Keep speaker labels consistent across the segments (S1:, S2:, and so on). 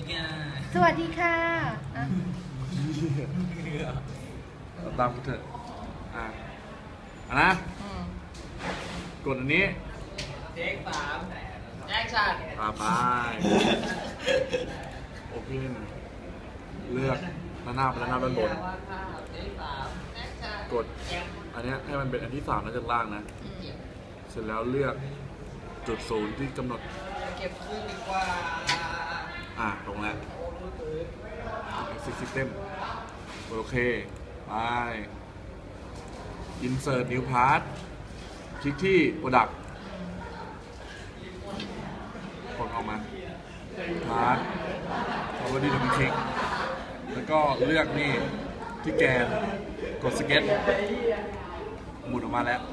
S1: สวัสดีค่ะ
S2: ตามกูเถอะนะกดอันนี้เทค3แอคชั่นไปโอเคเลือกด้านหน้าไปด้านหน้าด้านบนกดอันนี้ให้มันเป็นอันที่3แล้วจากล่างนะเสร็จแล้วเลือกจุด0ที่กำหนดเก็บขึ้นดีกว่าตรงแล้ว Exit System โอเคไป Insert New Part คลิกที่ Product กดออกมา Part เอาไว้ที่ตรงคลิกแล้วก็เลือกนี่ที่แกนกดสเก็ตหมุนออกมาแล้ว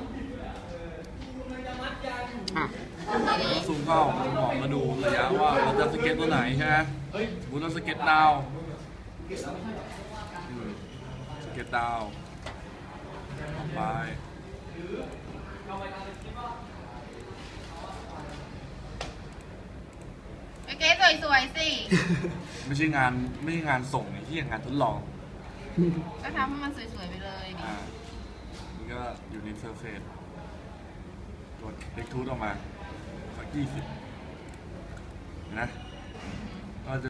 S2: ซูมเข้าซูมออกมาดูระยะว่าเราจะสเก็ตตัวไหนใช่ไหมสมมติเราสเก็ตดาวสเก็ตดาวออกไป
S1: โอเคสวยๆสิ
S2: ไม่ใช่งานส่งที่งานทดลอง
S1: ก็ทำให้มันสวยๆไปเลย
S2: นี่ก็อยู่ในเซอร์เฟซกดเล็กทูธออกมาสัก20นะ